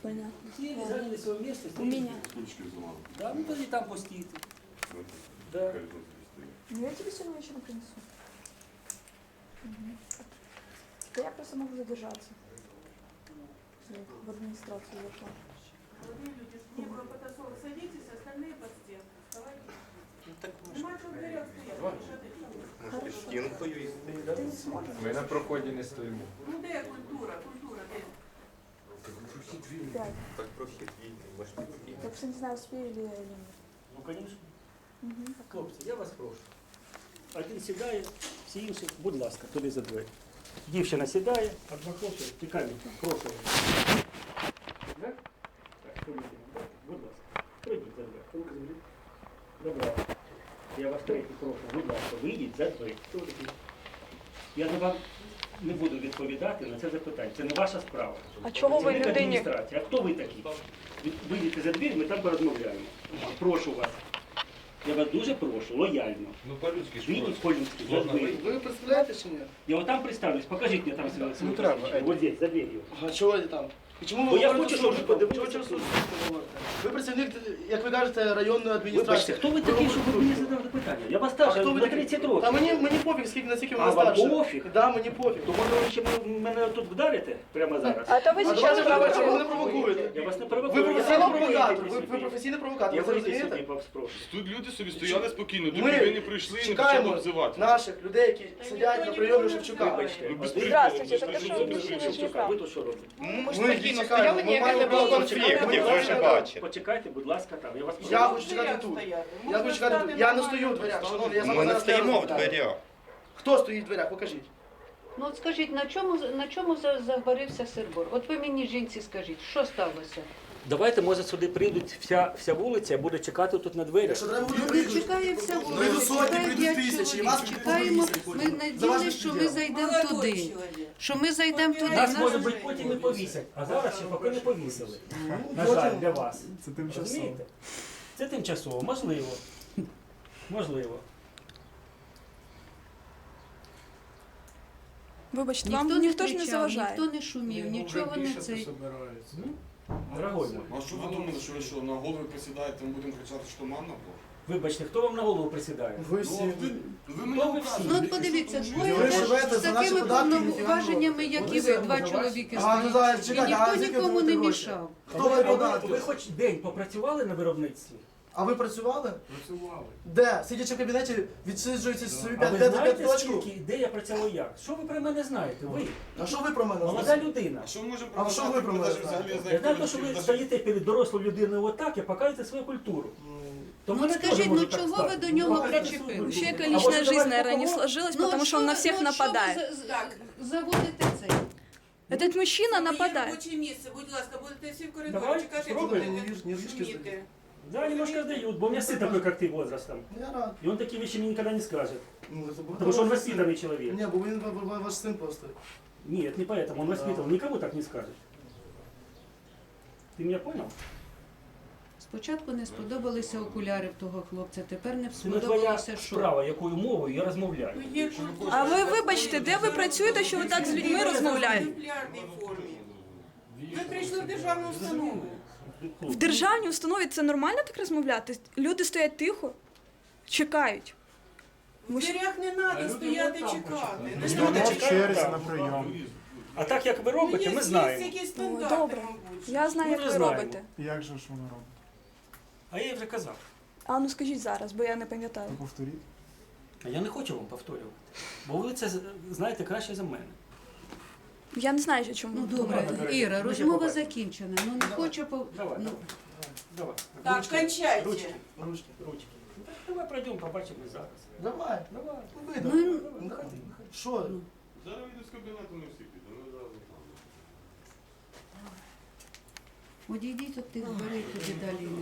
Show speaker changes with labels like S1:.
S1: Понятно.
S2: Ті зайняли своє місце.
S1: У меня.
S3: Ручки взломали.
S2: Да, ну тоді там постійте. Да.
S3: Хай тут стоїть.
S1: Ну я тебе сегодня еще принесу. Да я просто могу задержаться. В администрацию зашла.
S4: Молодые люди, не было потасовок, садитесь, остальные под стенку. Вставайте.
S5: Ну так
S4: Нема чого в дверях стояти, лишати.
S5: може під стінкою і стоїть.
S1: Ты не сможешь.
S6: Ми на проході не стоїмо.
S4: Ну де культура, культура, де?
S1: Пять.
S5: Так прохід вільний, може під стінкою.
S1: Я просто не знаю, успею ли я или нет.
S2: Ну, звісно.
S1: Мгм.
S2: Хлопці, я вас прошу. Один сідає, всі інші, будь ласка, туди за двері. Дівчина сідає, а два хлопці, тікай від нас, прошу. Так? Так, ходіть, будь ласка. Пройдіть за двері. Руки заберіть. Добре. Я вас третій прошу, будь ласка, вийдіть за двері. Хто ви такі? Я на вам не буду відповідати на це запитання. Це не ваша справа.
S1: А чого
S2: Це
S1: ви
S2: не
S1: людині?
S2: адміністрація. А хто ви такі? Вийдіть за двір, ми там порозмовляємо. Прошу вас. Я вас дуже прошу, лояльно.
S6: Ну по-людськи ж
S2: Вийдіть
S6: просто.
S2: по-людськи, за двері.
S7: Ви представляєте чи ні?
S2: Я вот там представлюсь, покажите мне там свое
S6: Ну, треба,
S2: вот здесь, за дверью.
S7: А чого ви там? І чому
S2: Бо
S7: ви
S2: я
S7: говорите
S2: хочу, щоб ви
S7: службу?
S2: подивилися
S7: Чого
S2: службу.
S7: говорите? Ви працівник, як ви кажете, районної
S2: Вибачте,
S7: адміністрації.
S2: хто ви такий, щоб ви мені задали питання? Я вас
S7: А
S2: старше
S7: хто ви
S2: на
S7: такий?
S2: 30 років.
S7: Та мені пофіг, скільки наскільки
S2: А,
S7: ви
S2: вам
S7: старше.
S2: пофіг?
S7: Да, мені пофіг.
S2: То може ви ще мене тут вдарите прямо зараз?
S1: А то вы
S7: А
S1: сейчас
S7: давайте давайте, ви мене
S1: провокуете.
S7: провокуєте.
S2: Я вас не
S7: Ви
S2: провокую.
S7: професійний
S2: я
S7: провокатор,
S2: вийдіть
S7: ви
S2: собі.
S7: професійний провокатор,
S2: Я
S7: ви
S2: вийду
S7: розумієте?
S2: собі, вас прошу.
S3: Тут люди собі стояли спокійно, доки
S7: Ми
S3: ви не прийшли і не почали
S7: чекаємо
S3: обзивати.
S7: наших людей, які сидять на прийомі Шевчука.
S2: Вибачте.
S3: Ну, без
S2: Один-
S1: Здравствуйте,
S3: приколу,
S1: так
S3: без
S1: що
S3: приколу,
S1: ви
S3: без
S1: прийшли
S3: приколу.
S1: на
S2: Чекай, ви тут що робите?
S7: Ми чекаємо, ми маємо
S5: Не було
S7: право
S5: конфліктів,
S7: чекати.
S5: ви вже бачите.
S2: Почекайте, будь ласка, там. Я вас прошу.
S7: Я хочу чекати тут. Я хочу чекати тут. Я не стою в дверях, шановні, я
S5: Ми
S7: зараз
S5: не стоїмо в
S7: розмовляю.
S5: дверях.
S7: Хто стоїть в дверях? Покажіть.
S8: Ну от скажіть, на чому загорівся сирбор? От ви мені, жінці, скажіть, що сталося?
S2: Давайте, може, сюди прийдуть вся вулиця, буде чекати тут на двері.
S7: Якщо треба буде
S8: Ну не
S7: прийдуть.
S8: чекає вся
S7: Прийдуть
S8: вулиця,
S7: сотні,
S8: чекає
S7: прийдуть
S8: 5
S7: тисячі, і
S8: чоловік.
S7: вас
S8: Чекаємо,
S7: повісять
S8: ми
S7: потім. За ваш
S8: надіялися, що ми
S7: безпреділ.
S8: зайдемо
S4: Молодой
S8: туди.
S4: чоловік.
S8: Що ми зайдемо туди.
S2: Нас,
S8: Нас-
S2: може бути, потім і повісять, а зараз ще поки не повісили. На жаль, для вас.
S6: Це тимчасово.
S2: Розумієте? Це тимчасово, можливо. Можливо.
S1: Вибачте,
S8: Ніхто
S1: вам
S8: не
S1: ніхто ж не
S8: кричав,
S1: заважає.
S8: ніхто не шумів, нічого не цей.
S2: Дорогой мой,
S3: А що ви думали, що ви що, на голові присідаєте, ми будемо кричати, що манна була?
S2: вибачте, хто вам на голову присідає?
S7: Ви всі.
S3: Ви мені
S2: Хто ви всі?
S8: Ну от подивіться, двоє
S7: Ви
S8: ж
S7: живете
S8: з
S7: за наші
S8: такими
S7: податки,
S8: повноваженнями, як і ви, два чоловіки стоять. І ніхто нікому не мішав.
S7: Хто ви
S2: Ви
S7: податки?
S2: хоч день попрацювали на виробництві?
S7: А ви працювали?
S3: працювали.
S7: Де? Сидячи в кабінеті, відсиджуєте собі
S2: А ви
S7: 5
S2: знаєте,
S7: точку?
S2: скільки, де я працював як? Що ви про мене знаєте? Ви,
S7: А що ви про мене
S2: молода
S7: знаєте?
S2: людина.
S3: А що ми можемо
S7: А що ви про мене
S3: Ми навіть
S7: знаєте?
S3: взагалі не
S2: Я
S3: знаємо,
S2: знаю, що ви
S3: хто
S2: стоїте перед дорослою людиною отак і показуєте свою культуру. То
S8: Ну
S2: мене
S8: от
S2: теж
S8: скажіть, ну
S2: можуть так
S8: чого ви
S2: стати.
S8: до нього
S2: Покажете свою
S8: причепились?
S2: культуру.
S1: У человека
S2: А
S1: личная
S2: може,
S1: жизнь,
S2: давайте
S1: наверное, не
S2: поговоримо?
S1: сложилась,
S8: Ну,
S1: потому что он на всех нападает.
S4: Так.
S8: Заводите цей.
S1: Этот мужчина
S4: Моє
S1: нападает.
S4: робоче місце, будь ласка, будете всі в коридорі
S2: Давай,
S4: чекати,
S2: спробуємо.
S4: будете
S7: Нервишки
S4: шуміти.
S2: Да, немножко сдают, бо у меня сын такой, как ты, возрастом.
S7: Я рад.
S2: И он такие вещи мне никогда не скажет.
S7: Ну, це
S2: Потому что он воспитанный человек.
S7: Ні, бо він ваш син просто.
S2: Нет, не поэтому, он воспитан, никому так не скажет. Ты меня понял?
S8: Спочатку не сподобалися окуляри в того хлопця, тепер не
S2: Це не твоя
S8: сподобалося що.
S2: справа, якою мовою я розмовляю.
S4: Ну, є культура.
S1: А ви вибачте, де ви працюєте, що ви так з людьми розмовляєте?
S4: В популярній формі. Ви прийшли в державну установу.
S1: В державній установі це нормально так розмовляти? Люди стоять тихо, чекають.
S4: В дверях не треба стояти чекати. Не
S6: Стоїмо
S4: треба
S6: в черзі на прийом.
S2: А так як ви робите, ми знаємо.
S4: якісь
S1: Ой,
S4: стандарти,
S1: добре.
S4: мабуть.
S1: Я знаю,
S2: Ми
S1: як
S2: вже
S1: ви
S2: знаємо.
S1: робите.
S6: Як же ж воно робить?
S2: А я їй вже казав.
S1: А ну скажіть зараз, бо я не пам'ятаю.
S6: То повторіть.
S2: А я не хочу вам повторювати. Бо ви це знаєте краще за мене.
S1: Я не знаю, чому.
S8: Ну
S1: ви
S8: добре,
S1: говорите.
S8: Іра,
S2: Ми ще
S8: розмова
S2: побачимо.
S8: закінчена. Ну не хочу по...
S2: Давай,
S8: ну,
S2: давай.
S4: Так,
S2: Ручки,
S4: кончайте.
S2: Ручки, ручки, ручки. Ну, так, давай пройдемо, побачимо зараз.
S7: Давай.
S2: Давай.
S7: Вийду.
S8: Ну,
S7: Ну, що?
S3: Зараз вийду з кабінету, ми всі підемо. Ми зразу там.
S8: одійдіть від тих дверей туди далі.